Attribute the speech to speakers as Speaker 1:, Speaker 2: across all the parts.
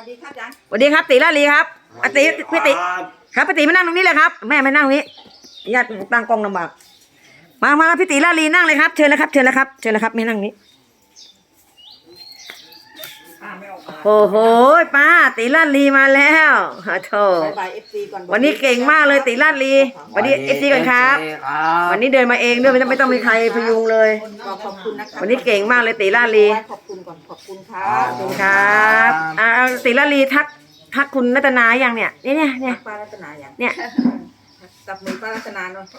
Speaker 1: วัสดีครับจัน
Speaker 2: สวัสดีครับตีลาลีครับอาตีพี่ติครับพี่ติมานั่งตรงนี้เลยครับแม่ไม่นั่งนี้ญาติตั้งกล้องลำบากมาพี่ติลาลีนั่งเลยครับเชิญเลยครับเชิญเลยครับเชิญเลยครับไม่นั่งนี้โอ้โหป้าตีลาลีมาแล้วโธ่วันนี้เก่งมากเลยตีลาลีวันนี้FCก่อนครับวันนี้เดินมาเองด้วยไม่ต้องมีใครพยุงเลย
Speaker 1: ขอบคุณนะครับ
Speaker 2: วันนี้เก่งมากเลยตีลาลี
Speaker 1: ขอบคุณก่อนขอบคุณครับ
Speaker 2: ขอบคุณครับตีลาลีทักคุณรัตนาอย่างเนี่ย
Speaker 1: ป้ารัตนาอย่าง
Speaker 2: เนี่ย
Speaker 1: จับมือป้ารัตนาเนาะ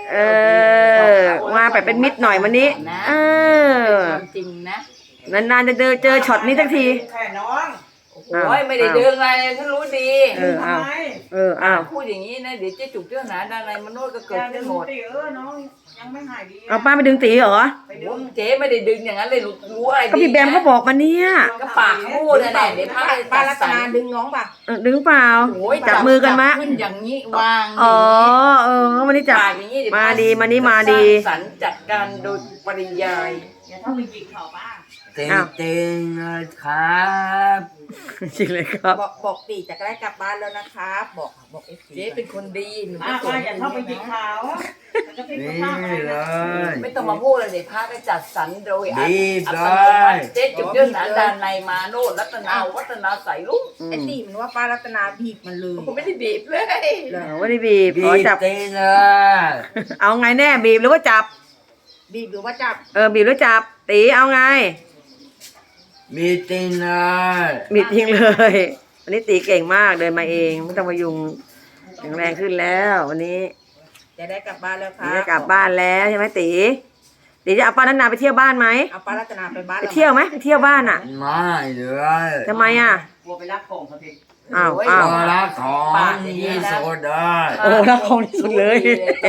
Speaker 2: มาแบบเป็นมิตรหน่อยวันนี้
Speaker 3: จริงนะ
Speaker 2: นานๆจะเจอช็อตนี้สักที
Speaker 1: แค่น้อง
Speaker 3: โอ้ยไม่ได้เดินอะไรฉันรู้ดีพูดอย่างนี้นะเดี๋ยวเจ๊จุกเจ้าหนาด้านในมโนก็เกิดขึ้นหมด
Speaker 1: น้องยังไม่หายดี
Speaker 2: เอาป้าไปดึงตีเหรอ
Speaker 3: เจ๊ไม่ได้ดึงอย่างนั้นเลยรู้อะไร
Speaker 2: ก็พี่แบมเขาบอกมาเนี่ย
Speaker 3: ก็ปากพูดนั่นแหละเดี๋ยว
Speaker 1: ป้ารัตนาดึงน้องป่ะ
Speaker 2: ดึงเปล่าจับมือกันมะ
Speaker 3: ขึ้นอย่างนี้วาง
Speaker 2: วันนี้จับมาดีมานี่มาดี
Speaker 3: สันจัดการโดยปริยาย
Speaker 1: อย่าต้องไปจิกเขาป้า
Speaker 3: เต็งครับ
Speaker 2: จริงเลยครับ
Speaker 1: บอกตีจะได้กลับบ้านแล้วนะครับบอก
Speaker 3: เจ๊เป็นคนดีหนู
Speaker 1: ไม่อย่าเข้าไปจิกเขา
Speaker 3: นี่เลยไม่ต้องมาพูดเลยเดี๋ยวพระได้จัดสรรโดยอัตโนมัติเจ๊จุดเรื่องนั้นด้านในมาโนรัตนาวัฒนาใส่ลุง
Speaker 1: ไอ้ตีมันว่าป้ารัตนาบีบมันเลย
Speaker 3: ผมไม่ได้บีบเลย
Speaker 2: ไม่ได้บีบขอจับเอาไงแน่บีบหรือว่าจับ
Speaker 1: บีบหรือว่าจับ
Speaker 2: บีบหรือจับตีเอาไง
Speaker 3: มีจริงเลย
Speaker 2: มีจริงเลยวันนี้ตีเก่งมากเดินมาเองไม่ต้องมายุงแข็งแรงขึ้นแล้ววันนี้
Speaker 1: จะได้กลับบ้านแล้วครับ
Speaker 2: จะกลับบ้านแล้วใช่ไหมตีจะเอาป้ารัตนาไปเที่ยวบ้านไหม
Speaker 1: เอาป้ารัตนาไปบ้าน
Speaker 2: ไปเที่ยวไหมไปเที่ยวบ้านอ่ะ
Speaker 3: ไม่เลย
Speaker 2: ทำไมอ่ะ
Speaker 1: กลัวไปรักของเขาที
Speaker 3: รักของที่สุดเลย
Speaker 2: รักของที่สุดเลย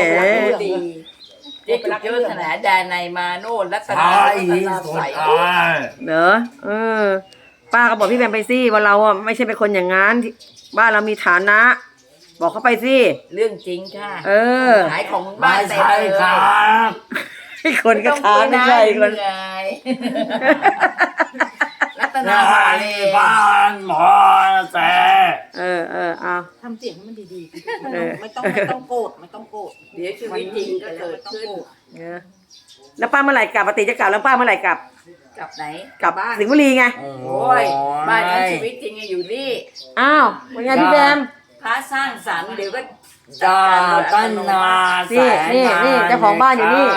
Speaker 3: เจ๊จุกเจ้าขนาดแดนในมาโน่รัตนาใส่
Speaker 2: เนอะป้าก็บอกพี่แบมไปสิว่าเราอ่ะไม่ใช่เป็นคนอย่างนั้นบ้านเรามีฐานะบอกเขาไปสิ
Speaker 3: เรื่องจริงค่ะขายของ
Speaker 2: บ้าน
Speaker 3: เต็มเลยครับ
Speaker 2: คนก็ค้านไม่ใช่คน
Speaker 3: รัตนา
Speaker 4: บ้านหมอแต่
Speaker 2: เอา
Speaker 1: ทำเสียงให้มันดีๆไม่ต้องโกรธไม่ต้องโกรธ
Speaker 3: เดี๋ยวชีวิตจริงก็เกิดขึ้น
Speaker 2: แล้วป้าเมื่อไหร่กลับปฏิจะกลับแล้วป้าเมื่อไหร่กลับ
Speaker 3: ไหน
Speaker 2: กลับบ้านสิงห์บุรีไง
Speaker 3: โอ้ยบ้านนั้นชีวิตจริงอยู่นี่
Speaker 2: อ้าวเป็นไงพี่แบม
Speaker 3: พระสร้างสรรค์เดี๋ยวก็
Speaker 4: ตั้งนา
Speaker 2: นี่เจ้าของบ้านอยู่นี่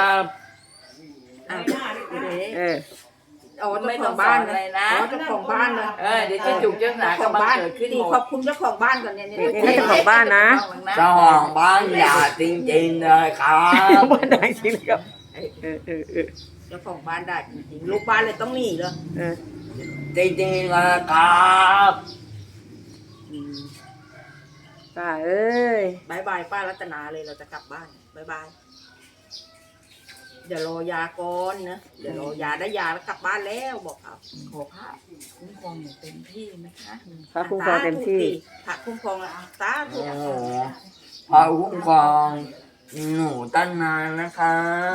Speaker 1: ไม่ต้องบ้านเลยนะเจ้าของบ้านเลย
Speaker 3: เดี๋ยวจะจุกเจ้าหนากำลังเกิดขึ้น
Speaker 1: ขอบคุณเจ้าของบ้านก่อนเนี่ย
Speaker 2: เจ้าของบ้านนะ
Speaker 4: เจ้าของบ้านอย่าจริงๆเลยครับ
Speaker 2: บ้านไหนจริงครับ
Speaker 1: เจ้าของบ้านได้จริงๆลูกบ้านเลยต้องหนีเลย
Speaker 4: จริงๆเลยครับ
Speaker 2: ป้าเอ้ย
Speaker 1: บายบายป้ารัตนาเลยเราจะกลับบ้านบายบายเดี๋ยวรอยาก่อนนะเดี๋ยวรอยาได้ยาแล้วกลับบ้านแล้วบอกเอา
Speaker 3: ขอพระคุ้มครองอย่างเต็มที่นะคะ
Speaker 2: พระคุ้มครองเต็มที่
Speaker 1: พระคุ้มครองแล้วตาถูก
Speaker 4: พระคุ้มครองหนูตั้งนานนะคะ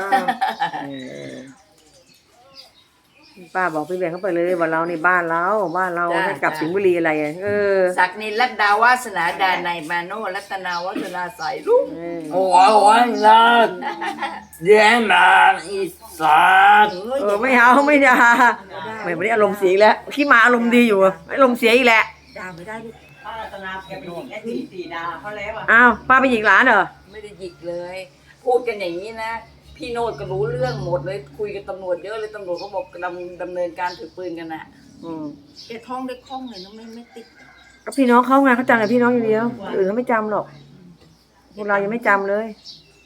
Speaker 2: ป้าบอกพี่แบงค์เข้าไปเลยว่าเราในบ้านเราให้กลับสิงห์บุรีอะไร
Speaker 3: ศักดิ์นินรัตดาวาสนาดาในมาโนรัตนาวัฒนาใส่ลุง
Speaker 4: โอ้ยนะเดี๋ยวมาอีสัตว์
Speaker 2: ไม่เอาไม่ด่าไม่ได้อารมณ์เสียแล้วขี้มาอารมณ์ดีอยู่อารมณ์เสียอีกแหละ
Speaker 1: ด่าไม่ได้ลูกป้ารัตนาแกไปหยิกไอ้ที่ตีด่าเขาแล้ว
Speaker 2: อ้าวป้าไปหยิกหลานเหรอ
Speaker 3: ไม่ได้หยิกเลยพูดกันอย่างนี้นะพี่โนดก็รู้เรื่องหมดเลยคุยกับตำรวจเยอะเลยตำรวจเขาบอกดำเนินการถือปืนกันน่ะ
Speaker 1: แกท้องได้คล่องเลยนะไม่ติด
Speaker 2: ก็พี่น้องเขาไงเขาจำแต่พี่น้องอย่างเดียวอื่นเขาไม่จำหรอกพวกเรายังไม่จำเลย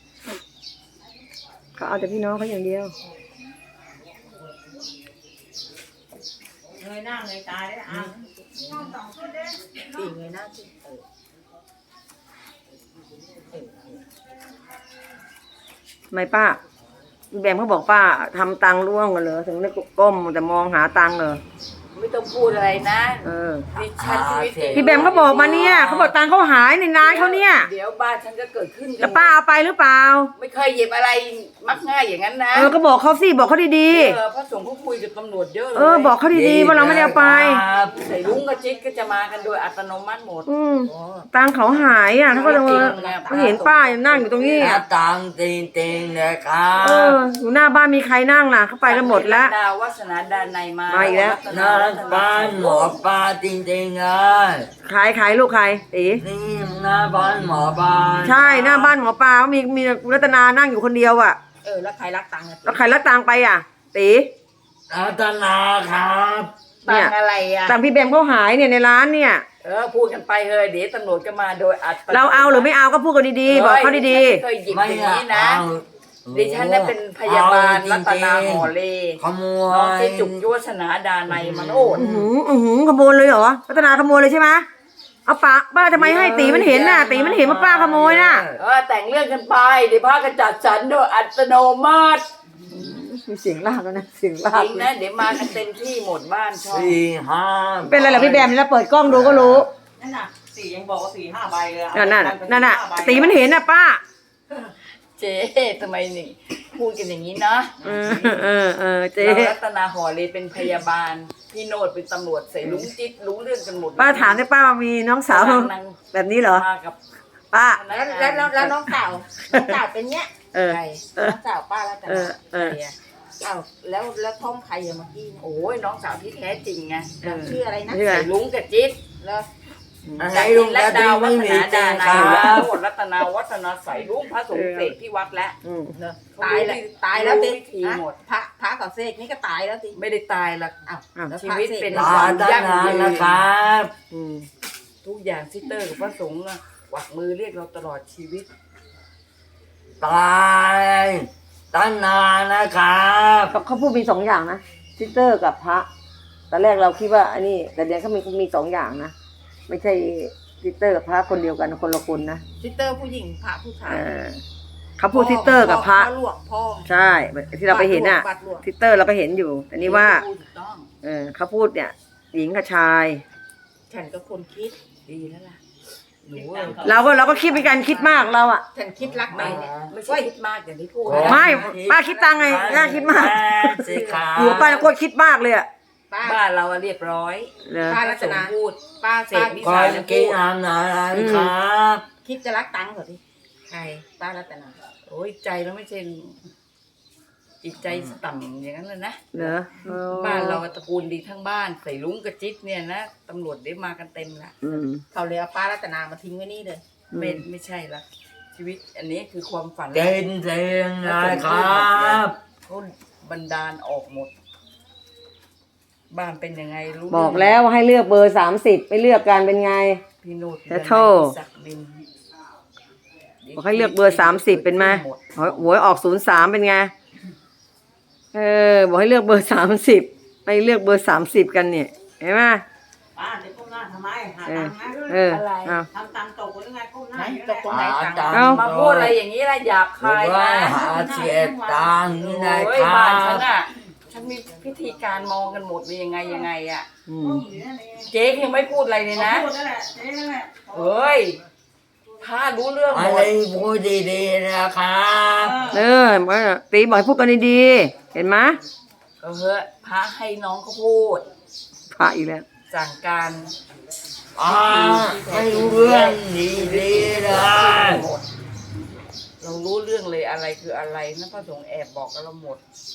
Speaker 2: เขาเอาแต่พี่น้องเขาอย่างเดียว
Speaker 1: เงยหน้าเงยตาได้ตีเงยหน้าสิ
Speaker 2: ทำไมป้าแบมเขาบอกป้าทำตังร่วงกันเหรอถึงได้ก้มแต่มองหาตังเหรอ
Speaker 3: ไม่ต้องพูดอะไรนะ
Speaker 2: เออ
Speaker 3: ดิฉันชีวิตจริง
Speaker 2: พี่แบมเขาบอกมาเนี่ยเขาบอกตังค์เขาหายในร้านเขาเนี่ย
Speaker 3: เดี๋ยวบ้านฉันก็เกิดขึ้น
Speaker 2: แล้วป้าเอาไปหรือเปล่า
Speaker 3: ไม่เคยหยิบอะไรมักง่ายอย่างนั้นนะ
Speaker 2: ก็บอกเขาสิบอกเขาดี
Speaker 3: พระสงฆ์เขาคุยกับตำรวจเยอะเลย
Speaker 2: บอกเขาดีๆว่าเราไม่ได้เอาไป
Speaker 3: ใส่ลุงกับจิ๊กก็จะมากันโดยอัตโนมัติหมด
Speaker 2: ตังค์เขาหายเขาก็เลยเขาเห็นป้ายังนั่งอยู่ตรงนี้
Speaker 4: หน้าตังติงนะครับ
Speaker 2: อยู่หน้าบ้านมีใครนั่งล่ะเขาไปกันหมดแล้ว
Speaker 3: ดาววาสนาดานในมา
Speaker 2: มาอีกแล้ว
Speaker 4: หน้าบ้านหมอปลาจริงๆเลย
Speaker 2: ขายลูกใครตี
Speaker 4: นี่หน้าบ้านหมอปลา
Speaker 2: ใช่หน้าบ้านหมอปลาเขามีรัตนานั่งอยู่คนเดียวอ่ะ
Speaker 1: แล้วใครรักตังค์อะ
Speaker 2: แล้วใครรับตังค์ไปอ่ะตี
Speaker 4: รัตนาครับ
Speaker 3: ตังอะไรอ่ะ
Speaker 2: ตังค์พี่แบมเขาหายเนี่ยในร้านเนี่ย
Speaker 3: พูดกันไปเฮ้ยเดี๋ยวตำรวจก็มาโดยอัตโนมัติ
Speaker 2: เราเอาหรือไม่เอาก็พูดกันดีๆบอกเขาดี
Speaker 3: เคยหยิบ
Speaker 4: ไม่
Speaker 3: อย่างนี้นะ
Speaker 4: เอา
Speaker 3: ดิฉันน่ะเป็นพยาบาลรัตนาหอเล
Speaker 4: ขโม
Speaker 3: น้อง
Speaker 4: ย
Speaker 3: เจ๊จุกยวาสนาดาในมโนด
Speaker 2: ๆขโมยเลยเหรอรัตนาขโมยเลยใช่ไหมเอาป้าทำไมให้ตีมันเห็นน่ะตีมันเห็นว่าป้าขโมยน่ะ
Speaker 3: แต่งเรื่องกันไปเดี๋ยวพากันจัดสรรโดยอัตโนมัติ
Speaker 2: มีเสียงลากแล้วนะเสียงลา
Speaker 3: จ
Speaker 2: ก
Speaker 3: ริงนะเดี๋ยวมากันเต็มที่หมดบ้านช่อง
Speaker 4: 4 5
Speaker 2: เป็นอะไรเหรอพี่แบมแล้วเปิดกล้องดูก็รู้
Speaker 1: นั่นน่ะสี่ยังบอกว่า4-5 ใบเลย
Speaker 2: นั่นน่ะตีมันเห็นน่ะป้า
Speaker 3: เจ๊ทำไมนี่พูดกันอย่างนี้นะ
Speaker 2: เจ๊
Speaker 3: เรารัตนาหอเลเป็นพยาบาลพี่โนดเป็นตำรวจใส่ลุงจิ๊ดรู้เรื่องกันหมด
Speaker 2: ป้าถามได้ป้ามีน้องสาวแบบนี้เหรอ
Speaker 3: มากับ
Speaker 2: ป้า
Speaker 1: แล้วน้องสาวเป็นเนี้ย ใครน้องสาวป้าแล้วแต่แล้วท้องใครอะเมื่อกี้
Speaker 3: โอ้ยน้องสาวที่แท้จริงไง
Speaker 1: ชื่ออะไรนะ
Speaker 2: ชื่ออะไร
Speaker 3: ใส่ลุงกับจิ๊ด
Speaker 1: แล้ว
Speaker 4: ให้ลุง
Speaker 3: และ
Speaker 4: กระ
Speaker 3: ดา
Speaker 4: ติ
Speaker 3: ว
Speaker 4: ง
Speaker 3: วั
Speaker 4: ไม่
Speaker 3: ฒ
Speaker 4: มี
Speaker 3: นา
Speaker 4: จริ
Speaker 3: ดาง ใน
Speaker 4: ครั
Speaker 3: และ
Speaker 4: บ
Speaker 3: โนดรัตนาวัฒนาใส่ลุงพระสงฆ์เสกที่วัดแล้ว
Speaker 1: ตายแล้วติ
Speaker 3: วิธีหมด
Speaker 1: พระกับเสกนี่ก็ตายแล้วติ
Speaker 3: ไม่ได้ตายหรอก ชีวิตเป็น
Speaker 4: ตาด้านนั้นนะครับ
Speaker 3: ทุกอย่างซิสเตอร์กับพระสงฆ์อะกวักมือเรียกเราตลอดชีวิต
Speaker 4: ตายตั้งนานนะครับ
Speaker 2: เขาพูดมี2 อย่างนะซิสเตอร์กับพระตอนแรกเราคิดว่าอันนี้แต่เดี๋ยวเขามี2 อย่างนะไม่ใช่ซิสเตอร์กับพระคนเดียวกันคนละคนนะ
Speaker 1: ซิสเตอร์ผู้หญิงพระผู้ชาย
Speaker 2: เขาพูดซิสเตอร์กับพระ
Speaker 1: หลวงพ่อ
Speaker 2: ใช่ที่เราไปเห็นน่ะ
Speaker 1: บัตรหลวง
Speaker 2: ซิสเตอร์เราก็เห็นอยู่อันนี้ว่า
Speaker 3: ถูกต้อง
Speaker 2: เขาพูดเนี่ยหญิงกับชาย
Speaker 1: ฉันก็คนคิด
Speaker 3: ดีแล้วล่ะหนู
Speaker 2: เราก็คิดเป็นการคิดมากเราอ่ะ
Speaker 1: ฉันคิดรักไปเนี่ย
Speaker 3: ไม่ใช่คิดมากอย่างที่พูด
Speaker 2: ไม่ป้าคิดตังไงน่าคิดมาก
Speaker 4: สิครับ
Speaker 2: หัวป้าโคตรคิดมากเลยอ่ะ
Speaker 1: ป้า
Speaker 3: บ้านเราอะเรียบร้อย
Speaker 2: เนอะ
Speaker 1: ป้า
Speaker 3: พ
Speaker 1: รั
Speaker 3: ระ
Speaker 1: ต
Speaker 3: สง
Speaker 1: นา
Speaker 3: ฆ์พูด
Speaker 1: ป้า
Speaker 3: เส
Speaker 1: ป้าก
Speaker 3: วิ
Speaker 4: ก่อ
Speaker 3: สาน
Speaker 4: กินอาหารครับ
Speaker 1: คิดจะรักตังค์เหรอดิใครป้ารัตนา
Speaker 3: โอ้ยใจเราไม่ใช่จิตใจต่ำอย่างนั้นเลยนะ
Speaker 2: เนอะ
Speaker 3: บ้านเราตระกูลดีทั้งบ้านใส่ลุงกับจิ๊ดเนี่ยนะตำรวจได้มากันเต็มละ
Speaker 1: เขาเลยเอาป้ารัตนามาทิ้งไว้นี่เลย
Speaker 3: ไม่ใช่ละชีวิตอันนี้คือความฝัน
Speaker 4: เก่งเสียงนะครับ
Speaker 3: เขาบันดาลออกหมด บ้านเป็นยังไงรู้
Speaker 2: บอกแล้วว่าให้เลือกเบอร์30ไม่เลือกกันเป็นไง
Speaker 3: พี่โนด
Speaker 2: แต่โทษ
Speaker 3: ศักดิน
Speaker 2: บอกให้เลือกเบอร์30เป็นไหมหวยออก03เป็นไงบอกให้เลือกเบอร์30ไม่เลือกเบอร์30กันเนี่ยเห็นไหม
Speaker 1: ป้าเดี๋ยวก้มหน้าทำไมหา
Speaker 2: เอ
Speaker 1: ตั
Speaker 2: อง
Speaker 1: ค์นะ
Speaker 2: เออเอา
Speaker 1: ทำตังค์ตกหรือไงก้มหน้า
Speaker 3: ไหน
Speaker 1: อยู่
Speaker 3: ตกตรงไหน
Speaker 4: ตัง
Speaker 2: เอ้า
Speaker 3: มาพูดอะไรอย่างนี้ละหยาบคาย
Speaker 4: ว่า
Speaker 3: นะ
Speaker 4: หาเสียตังค์นี่นะ
Speaker 3: โอ้
Speaker 4: ค
Speaker 3: ย
Speaker 4: รั
Speaker 3: บ้านฉั
Speaker 4: บ
Speaker 3: นอ่ะฉันมีพิธีการมองกันหมดเป็นยังไงอ่ะ
Speaker 2: อืม
Speaker 3: เจ๊ยังไม่พูดอะไรเลยนะ
Speaker 1: พูดนั่นแหละนั่นแหละ
Speaker 3: เฮ้ยพารู้เรื่องห
Speaker 4: อะ
Speaker 3: ม
Speaker 4: ไร
Speaker 3: ด
Speaker 4: พูดดีๆนะครับ
Speaker 2: ตีบอกให้พูดกันดีๆเห็นไหม
Speaker 3: ก็เฮ้ยพระให้น้องเขาพูด
Speaker 2: พระอีกแล้ว
Speaker 3: สั่งการ
Speaker 4: ไม่รู้เรื่องดีๆเลย
Speaker 3: หมดเรารู้เรื่องเลยอะไรคืออะไรนะพระสงฆ์แอบบอกกับเราหมด